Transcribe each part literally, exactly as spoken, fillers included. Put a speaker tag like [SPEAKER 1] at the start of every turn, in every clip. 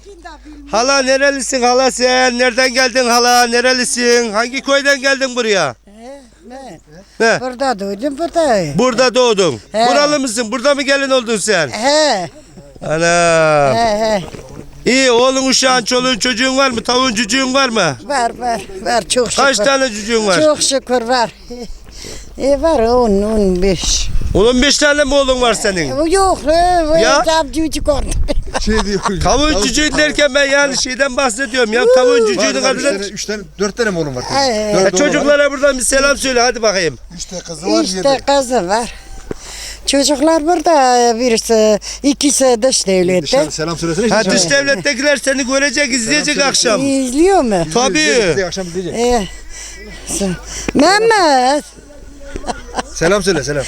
[SPEAKER 1] Hala nerelisin hala sen? Nereden geldin hala? Nerelisin? Hangi köyden geldin buraya?
[SPEAKER 2] Ben
[SPEAKER 1] Ne?
[SPEAKER 2] burada doğdum burada.
[SPEAKER 1] Burada doğdun.
[SPEAKER 2] He.
[SPEAKER 1] Buralı mısın? Burada mı gelin oldun sen?
[SPEAKER 2] He.
[SPEAKER 1] Ana.
[SPEAKER 2] He he.
[SPEAKER 1] İyi oğlun uşağın çoluğun çocuğun var mı? Tavuğun cücüğün var mı?
[SPEAKER 2] Var var var çok şükür.
[SPEAKER 1] Kaç tane cücüğün var?
[SPEAKER 2] Çok şükür var. E var on on beş.
[SPEAKER 1] on beş tane mi oğlun var senin?
[SPEAKER 2] Yok
[SPEAKER 1] Ya?
[SPEAKER 2] ya. Tam cücük orada.
[SPEAKER 3] Şey diyor.
[SPEAKER 1] Tavuğun cücüğün derken ben yani şeyden bahsediyorum ya. Tavuğun cücüğünün
[SPEAKER 3] Var, var, üç
[SPEAKER 1] adına...
[SPEAKER 3] tane, üç tane, dört tane mi oğlum var?
[SPEAKER 2] Ee,
[SPEAKER 3] Dört
[SPEAKER 1] Ya
[SPEAKER 3] oğlum var.
[SPEAKER 1] çocuklara buradan bir selam söyle hadi bakayım.
[SPEAKER 3] Üç tane kızı var,
[SPEAKER 2] İşte
[SPEAKER 3] yedi.
[SPEAKER 2] kızı var. Çocuklar burada birisi, ikisi dış devlette.
[SPEAKER 3] Dışarı selam söylesene.
[SPEAKER 1] Ha
[SPEAKER 3] şimdi.
[SPEAKER 1] dış devlettekiler seni görecek, izleyecek
[SPEAKER 3] söyle.
[SPEAKER 1] akşam.
[SPEAKER 2] İzliyor mu?
[SPEAKER 1] Tabii.
[SPEAKER 3] Bize akşam diyecek.
[SPEAKER 2] Ee, sen- Mehmet,
[SPEAKER 3] Selam söyle selam.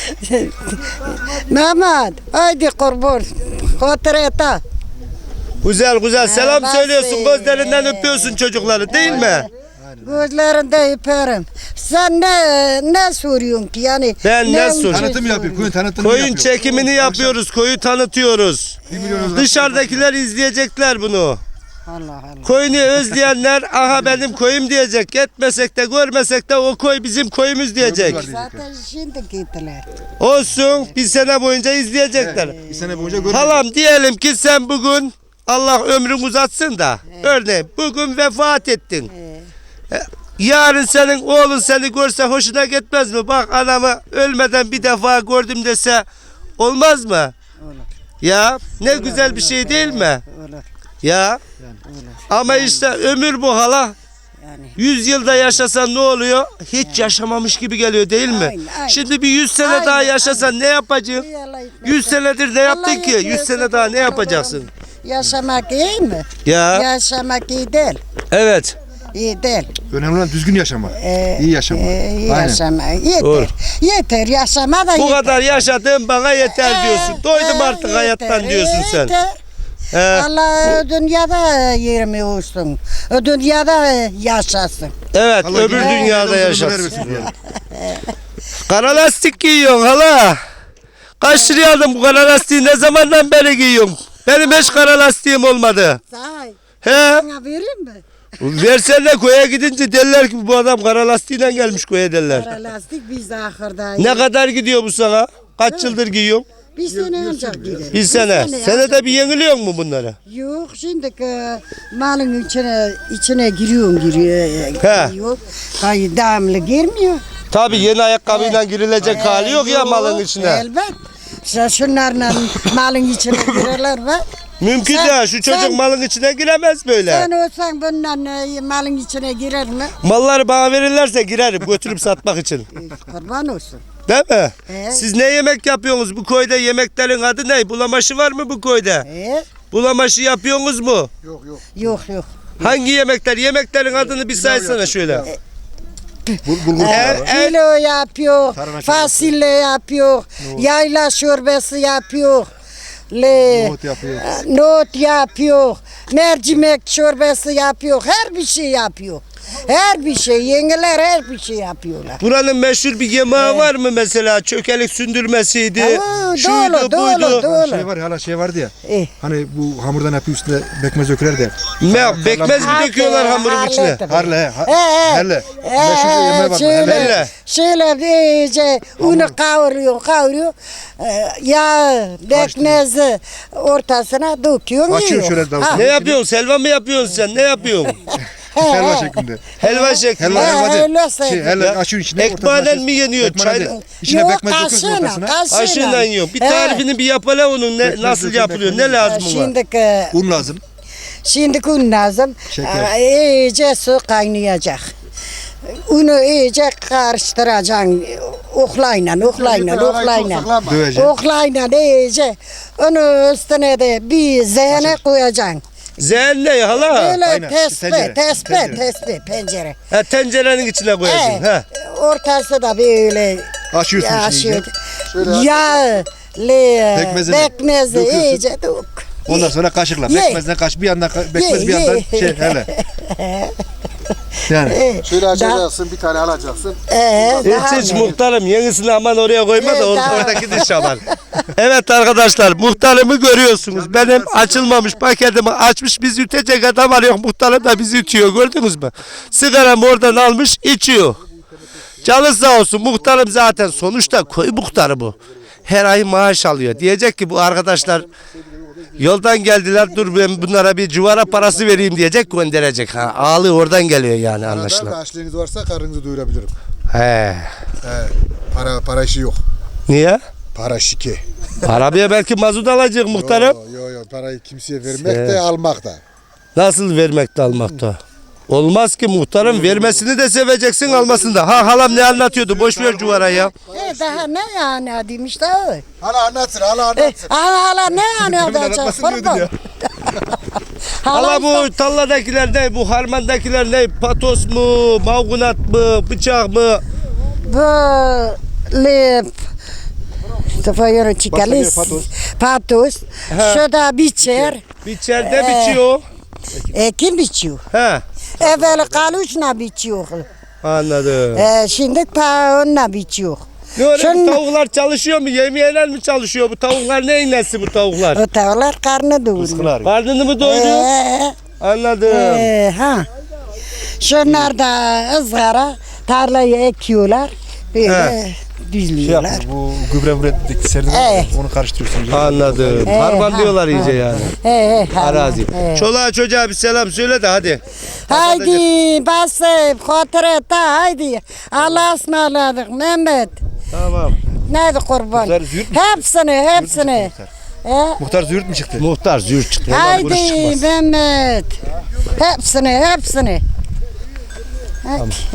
[SPEAKER 2] Mehmet, haydi kurban, kotreta.
[SPEAKER 1] Güzel güzel selam
[SPEAKER 2] Ha,
[SPEAKER 1] söylüyorsun,
[SPEAKER 2] bak-
[SPEAKER 1] gözlerinden öpüyorsun çocukları değil mi?
[SPEAKER 2] Gözlerinde öperim. Sen ne ne soruyorsun ki yani?
[SPEAKER 1] Ben ne soruyorum?
[SPEAKER 3] Tanıtım yapıyor. Koyun tanıtımını
[SPEAKER 1] Koyun
[SPEAKER 3] yapıyor.
[SPEAKER 1] çekimini yapıyoruz, koyu tanıtıyoruz.
[SPEAKER 3] Bir milyon
[SPEAKER 1] Dışarıdakiler izleyecekler bunu.
[SPEAKER 2] Allah Allah.
[SPEAKER 1] Koyunu özleyenler aha benim koyum diyecek. Gitmesek de görmesek de o koy bizim koyumuz diyecek.
[SPEAKER 2] Zaten şimdi gittiler.
[SPEAKER 1] Olsun bir sene boyunca izleyecekler.
[SPEAKER 3] Bir sene boyunca görmüyor.
[SPEAKER 1] Halam diyelim ki sen bugün Allah ömrün uzatsın da örneğin bugün vefat ettin. E, Yarın senin oğlun seni görse hoşuna gitmez mi? Bak anamı ölmeden bir defa gördüm dese olmaz mı?
[SPEAKER 2] Olur.
[SPEAKER 1] Ya ne güzel bir şey değil mi?
[SPEAKER 2] Olur.
[SPEAKER 1] Ya ama işte ömür bu hala.
[SPEAKER 2] Yani.
[SPEAKER 1] Yüz yılda yaşasan ne oluyor? Hiç yaşamamış gibi geliyor değil mi?
[SPEAKER 2] Aynen, aynen.
[SPEAKER 1] Şimdi bir yüz sene
[SPEAKER 2] Aynen,
[SPEAKER 1] daha yaşasan ne yapacaksın? Yüz senedir ne yaptın ki? Yüz sene daha ne yapacaksın?
[SPEAKER 2] Yaşamak iyi mi?
[SPEAKER 1] Ya
[SPEAKER 2] Yaşamak iyi değil.
[SPEAKER 1] evet.
[SPEAKER 2] İyi değil.
[SPEAKER 3] Önemli olan düzgün yaşama.
[SPEAKER 2] Ee,
[SPEAKER 3] İyi yaşama.
[SPEAKER 2] e, iyi
[SPEAKER 3] Aynen.
[SPEAKER 2] yaşama. Yeter.
[SPEAKER 1] Doğru.
[SPEAKER 2] Yeter yaşama da
[SPEAKER 1] Bu
[SPEAKER 2] yeter.
[SPEAKER 1] kadar yaşadığım bana yeter
[SPEAKER 2] Ee,
[SPEAKER 1] diyorsun. Doydum
[SPEAKER 2] e,
[SPEAKER 1] artık
[SPEAKER 2] yeter,
[SPEAKER 1] hayattan diyorsun sen.
[SPEAKER 2] yeter.
[SPEAKER 1] He,
[SPEAKER 2] Allah dünyada yerimi olsun. O dünyada yaşasın.
[SPEAKER 1] evet
[SPEAKER 3] Allah
[SPEAKER 1] öbür
[SPEAKER 3] yine-
[SPEAKER 1] dünyada
[SPEAKER 3] yine
[SPEAKER 1] yaşasın.
[SPEAKER 3] ömür versin diyelim.
[SPEAKER 1] Kara lastik giyiyorsun hala. Kaç liraya aldın bu kara lastiği ne zamandan beri giyiyorsun? Benim hiç kara lastiğim olmadı.
[SPEAKER 2] Sahi.
[SPEAKER 1] He?
[SPEAKER 2] Sana vereyim mi?
[SPEAKER 1] Versen de koya gidince derler ki bu adam kara lastiğiyle gelmiş koya derler.
[SPEAKER 2] Kara lastik biz ahırda.
[SPEAKER 1] Ne kadar gidiyor bu sana? Kaç yıldır giyiyorsun?
[SPEAKER 2] Bir sene önce gidelim.
[SPEAKER 1] Bir sene. Senede bir yeniliyor mu bunları?
[SPEAKER 2] Yok şimdi malın içine içine giriyorum giriyor.
[SPEAKER 1] He.
[SPEAKER 2] Yok. Kayı devamlı girmiyor.
[SPEAKER 1] Tabii yeni ayakkabıyla girilecek hali yok ya malın içine.
[SPEAKER 2] Elbet. Sen şunlarla malın içine girerler ve
[SPEAKER 1] Mümkün
[SPEAKER 2] Sen-
[SPEAKER 1] değil. Şu çocuk
[SPEAKER 2] sen-
[SPEAKER 1] malın içine giremez böyle.
[SPEAKER 2] sen olsan bununla e, malın içine girer mi?
[SPEAKER 1] Malları bana verirlerse girerim götürüp satmak için.
[SPEAKER 2] E, Kurban olsun.
[SPEAKER 1] Değil mi?
[SPEAKER 2] Evet.
[SPEAKER 1] Siz ne yemek yapıyorsunuz? Bu koyda yemeklerin adı ne? Bulamaşı var mı bu koyda?
[SPEAKER 2] E,
[SPEAKER 1] Bulamaşı yapıyorsunuz mu?
[SPEAKER 3] Yok yok.
[SPEAKER 2] yok yok.
[SPEAKER 1] Hangi yemekler? Yemeklerin adını bir saysana şöyle.
[SPEAKER 3] Bul, bulgur
[SPEAKER 1] E,
[SPEAKER 3] pilavı.
[SPEAKER 1] e,
[SPEAKER 2] Kilo yapıyor,
[SPEAKER 3] Tarhana çorbası.
[SPEAKER 2] fasulye yapıyor, yayla çorbası yapıyor. Le,
[SPEAKER 3] Nohut yapıyor.
[SPEAKER 2] Nohut yapıyor, mercimek çorbası yapıyor, her bir şey yapıyor. Her bir şey, yengeler her bir şey yapıyorlar.
[SPEAKER 1] Buranın meşhur bir yemeği var mı mesela? Çökelik sündürmesiydi.
[SPEAKER 2] Aa,
[SPEAKER 1] Şuydu
[SPEAKER 2] dolu, dolu,
[SPEAKER 1] buydu.
[SPEAKER 2] dolu.
[SPEAKER 3] Şey var ya hala şey vardı ya.
[SPEAKER 2] Eh.
[SPEAKER 3] Hani bu hamurdan yapıyor üstüne bekmez döküler de.
[SPEAKER 1] Ne, bekmez mi döküyorlar hamurun içine?
[SPEAKER 3] Harle he. ha-
[SPEAKER 2] He, he.
[SPEAKER 3] Herle. Meşhur bir yemeği var.
[SPEAKER 2] şöyle,
[SPEAKER 1] Herle.
[SPEAKER 2] şöyle iyice unu kavuruyor, kavuruyor. Ee, Yağ, bekmezi ortasına döküyor,
[SPEAKER 3] Açıyor
[SPEAKER 2] yiyor.
[SPEAKER 3] şöyle davul.
[SPEAKER 2] Ha.
[SPEAKER 1] Ne yapıyorsun? Selva mı yapıyorsun sen? Ne yapıyorsun?
[SPEAKER 3] Helva şeklinde.
[SPEAKER 1] Helva şeklinde.
[SPEAKER 3] Helva
[SPEAKER 2] He,
[SPEAKER 3] helva değil.
[SPEAKER 2] helva
[SPEAKER 3] Şey,
[SPEAKER 2] şeklinde.
[SPEAKER 3] helva açıyor içine.
[SPEAKER 1] Ekmeğiyle
[SPEAKER 3] ortasına
[SPEAKER 1] mi yeniyor?
[SPEAKER 3] Ekmeğiyle
[SPEAKER 1] Çay-
[SPEAKER 3] değil. İçine
[SPEAKER 2] Yok,
[SPEAKER 3] bekmez döküyorsun
[SPEAKER 2] kaşığına,
[SPEAKER 3] ortasına.
[SPEAKER 2] kaşığına.
[SPEAKER 1] Aşıyla yiyor. Bir
[SPEAKER 2] He.
[SPEAKER 1] tarifini bir yapala onun ne, nasıl
[SPEAKER 3] dökün,
[SPEAKER 1] yapılıyor?
[SPEAKER 3] bekmez
[SPEAKER 1] Ne lazım ona?
[SPEAKER 2] Şimdi
[SPEAKER 3] Un lazım.
[SPEAKER 2] şimdi un lazım.
[SPEAKER 3] Şeker.
[SPEAKER 2] Ee, İyice su kaynayacak. Unu iyice karıştıracaksın. Oklayla, oklayla, oklayla.
[SPEAKER 3] Döveceksin.
[SPEAKER 2] Oklayla iyice. Onun üstüne de bir zehne koyacaksın.
[SPEAKER 1] Zehn ne hala?
[SPEAKER 2] Böyle
[SPEAKER 3] aynen.
[SPEAKER 2] tesbih,
[SPEAKER 3] Tencere,
[SPEAKER 2] tesbih,
[SPEAKER 3] tencere.
[SPEAKER 2] tesbih, pencere.
[SPEAKER 1] Ha, tencerenin içine koyacaksın.
[SPEAKER 2] He,
[SPEAKER 1] Ha.
[SPEAKER 2] ortası da böyle
[SPEAKER 3] Açıyorsun içini.
[SPEAKER 2] yaşıyor.
[SPEAKER 3] Şöyle
[SPEAKER 2] Yağ, le,
[SPEAKER 3] Bekmezini
[SPEAKER 2] bekmezi
[SPEAKER 3] döküyorsun.
[SPEAKER 2] iyice dök.
[SPEAKER 3] Ondan sonra kaşıkla.
[SPEAKER 2] Ye.
[SPEAKER 3] Bekmezden kaş bir yandan ka- bekmez
[SPEAKER 2] Ye,
[SPEAKER 3] bir yandan
[SPEAKER 2] ye.
[SPEAKER 3] şey hele. Yani.
[SPEAKER 4] Şöyle açacaksın, bir tane alacaksın.
[SPEAKER 2] Ee, daha
[SPEAKER 1] Hiç hiç
[SPEAKER 2] ne?
[SPEAKER 1] muhtarım yenisini aman oraya koyma da
[SPEAKER 2] Evet,
[SPEAKER 1] or-
[SPEAKER 2] daha-
[SPEAKER 1] oradaki diş aman. Evet arkadaşlar, muhtarımı görüyorsunuz. Benim açılmamış paketimi açmış, biz ütecek adam arıyor. Muhtarım da bizi ütüyor, gördünüz mü? Sigaramı oradan almış içiyor. Canı sağ olsun, muhtarım zaten sonuçta köy muhtarı bu. Her ay maaş alıyor. Diyecek ki bu arkadaşlar yoldan geldiler, dur ben bunlara bir civara parası vereyim diyecek, gönderecek. Ha, ağlı oradan geliyor yani
[SPEAKER 4] Arada
[SPEAKER 1] anlaşılan.
[SPEAKER 4] açlığınız varsa karnınızı doyurabilirim.
[SPEAKER 1] He.
[SPEAKER 4] He, para para işi yok.
[SPEAKER 1] Niye?
[SPEAKER 4] Para şike.
[SPEAKER 1] Arabaya belki mazot alacak muhtarım.
[SPEAKER 4] Yo yo yo parayı kimseye vermek
[SPEAKER 1] Şey.
[SPEAKER 4] de almak da.
[SPEAKER 1] Nasıl vermekte almakta? Olmaz ki muhtarım, vermesini de seveceksin, almasını da. Ha halam ne anlatıyordu, boş ver cuvara ya.
[SPEAKER 2] E daha ne yani dedim işte o.
[SPEAKER 4] Hala anlatsın hala
[SPEAKER 2] E,
[SPEAKER 4] anlatsın.
[SPEAKER 2] hala hala ne yani olacak
[SPEAKER 4] anlatmasın diyordun
[SPEAKER 2] kurban.
[SPEAKER 4] ya.
[SPEAKER 1] Hala
[SPEAKER 2] işte-
[SPEAKER 1] bu talladakiler ne, bu harmandakiler ne, patos mu, mavgunat mı, bıçak mı?
[SPEAKER 2] Böyle Sıfırın çıkalis.
[SPEAKER 4] patos.
[SPEAKER 2] Patos. Şurada biçer.
[SPEAKER 1] Biçerde
[SPEAKER 2] Ee.
[SPEAKER 1] biçiyor.
[SPEAKER 2] E, kim biçiyor?
[SPEAKER 1] He,
[SPEAKER 2] Evvel kaluşla biçiyor.
[SPEAKER 1] anladım.
[SPEAKER 2] E, şimdi paonla biçiyor.
[SPEAKER 1] Ne öyle bu
[SPEAKER 2] Şunun-
[SPEAKER 1] tavuklar çalışıyor mu, yemeyenler mi çalışıyor? Bu tavuklar neyin nesi bu tavuklar?
[SPEAKER 2] O tavuklar karnı doyuruyor.
[SPEAKER 1] Karnını mı doyuruyor?
[SPEAKER 2] Ee,
[SPEAKER 1] Anladım.
[SPEAKER 2] e, ha. Şunlar da ızgara tarlayı ekiyorlar. Böyle
[SPEAKER 3] Şey
[SPEAKER 2] düzlüyorlar.
[SPEAKER 3] yapıyor, bu gübre müretteki serdim
[SPEAKER 2] Evet.
[SPEAKER 3] onu karıştırıyorsun.
[SPEAKER 1] Anladım.
[SPEAKER 2] Ee,
[SPEAKER 1] Harman
[SPEAKER 2] ha,
[SPEAKER 1] diyorlar iyice
[SPEAKER 2] ha.
[SPEAKER 1] yani.
[SPEAKER 2] He, he, ha,
[SPEAKER 1] Arazi.
[SPEAKER 2] he.
[SPEAKER 1] Çoluğa çocuğa bir selam söyle de hadi.
[SPEAKER 2] Haydi basıp hatıreta haydi. Allah'a ısmarladık Mehmet.
[SPEAKER 1] Tamam.
[SPEAKER 2] Neydi kurban?
[SPEAKER 3] Muhtar züğürt mü?
[SPEAKER 2] Hepsini hepsini. He?
[SPEAKER 3] Muhtar züğürt mü çıktı?
[SPEAKER 1] Muhtar zür çıktı. Ondan vuruş
[SPEAKER 2] Haydi
[SPEAKER 1] çıkmaz.
[SPEAKER 2] Mehmet. Hepsini hepsini. Hadi.